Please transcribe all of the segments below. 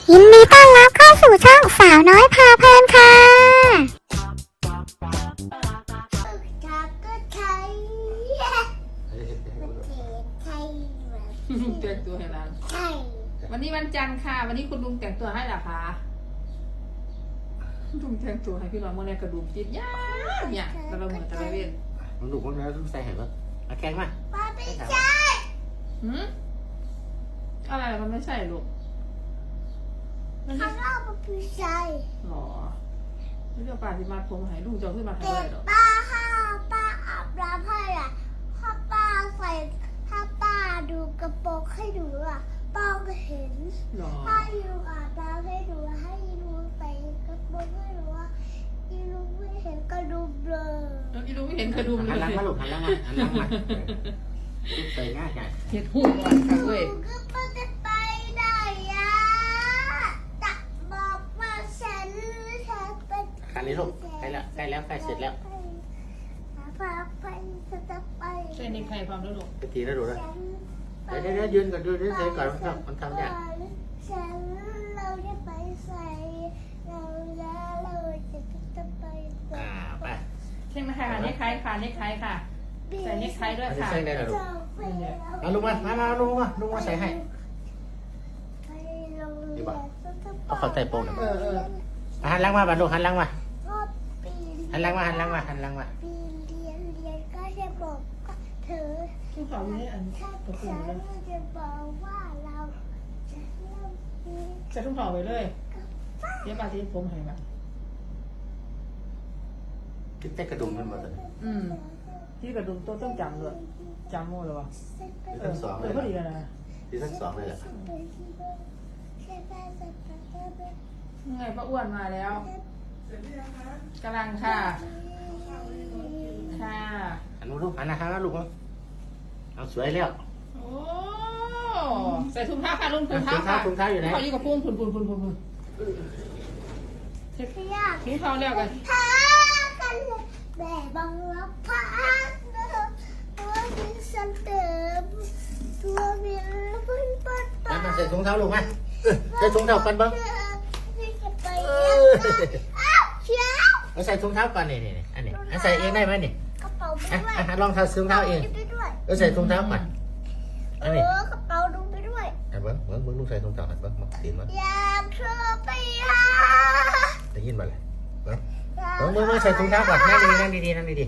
ยินดีต้อนรับเข้าสู่ช่องสาวน้อยพาเพลินค่ะแต่งตัวให้ร้านวันนี้วันจันทร์ค่ะวันนี้คุณลุงแต่งตัวให้เหรอคะลุงแต่งตัวให้พี่น้องเมื่อไรกระดูกติดยากเนี่ยแต่เราเหมือนจะไปเว้นมันดุมันแล้วต้องใส่เห็นปะเอาแกงมาไม่ใช่อะไรมันไม่ใช่ลูกมันไม่ข้าวปลาไม่ใช่หรอนี่เดี๋ยวป้าที่มาผมให้ลุงจะขึ้นมาให้เด็ได้กหรอป้าอาบน้ำให้อ่ะถ้าป้าดูกระโปรงให้ดูอ่ะป้าก็เห็นหรอถ้ายูอาบน้ำให้ดูให้ยูใส่กระโปรงให้ดูว่ายูไม่เห็นกระดูกเลยแล้วอีลุงไม่เห็นกระดุมเลหันยหลังมาลูกหันหลังมาหันหลังมาลูกใส่ง่ายใหญ่เห็ดหูอ่อนค่ะเว้ยก็ป้าจะไปไหนอ่ะตักบอกมาฉันเป็นคันนี้ลูกใกล้แล้วใกล้แล้วใกล้เสร็จแล้วพาไปจะไปใช่ในใครความรู้ลูกไปตีแล้วดูนะเดี๋ยวยืนก่อนดูเฉยก่อนมันทำยากฉันเราจะไปใส่เราจะไปไปใช่ไหมคะเนคไทค่ะเนคไทค่ะใส่เนคไทด้วยอันนี้ค่ะใส่ได้หรอลูกเอาลุงมาลุงมาใส่ให้เอาเขาใส่โป่งหน่อยหันหลังมาบ้านลูกหันหลังมาหันหลังมาปีเรียนก็จะบอกเธอทุกเขาเนี่ยอันถ้าตัวฉันเลยจะบอกว่าเราจะเริ่มปีใส่ทุกเขาไปเลยเดี๋ยวป้าที่ผมให้มาคิดแต่กระดุมมันหมดเลยที่กระดุมตัวต้องจำเลยจำหมดเลยวะทั้งสองเลยพอดีแล้วนะที่ทั้งสองเลยแหละไงป้าอ้วนมาแล้วกำลังค่ะค่ะหันมาลูกหันหน้าลูกเอาสวยแล้วโอ้ใส่ถุงเท้าค่ะลุงถุงเท้าถุงเท้าอยู่ไหนเขาอยู่กับพุ่งพุ่นเช็คถุงเท้าแล้วกันพากันเลยแม่บังรับพาตัวมีสันเติมตัวมีพื้นปัดแล้วมาใส่ถุงเท้าลูกมาใส่ถุงเท้ากันบ้างจะไปอ้าวเชียวเอาใส่ถุงเท้าก่อนนี่อันนี้ใส่เองได้ไหมนี่กระเป๋าไปด้วยลองใส่ถุงเท้าเองไปด้วยเอาใส่ถุงเท้าก่อนอันนี้กระเป๋าดูไปด้วยเบิ้งลูกใส่ถุงเท้าเบิ้งมาตีนมาอยากเธอไปหาได้ยินมาเลยเบิ้งใส่ถุงเท้าก่อนนั่งดีอยากเธอไปหาย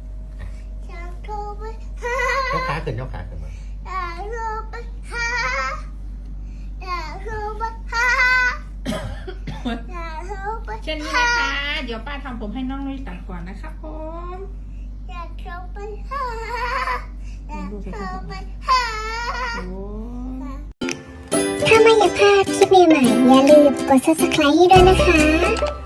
กขาขึ้นมาอยากเธอไปหาอยากเธอไปหาอยากเธอไปเช่นนี้นะคะ เดี๋ยวป้าทำผมให้น้องนุ้ยตัดก่อนนะครับผมอยากเธอไปหาอยากเธอไปหาโอ้ถ้าไม่อยากพลาดคลิปใหม่ๆอย่าลืมกด subscribe ให้ด้วยนะคะ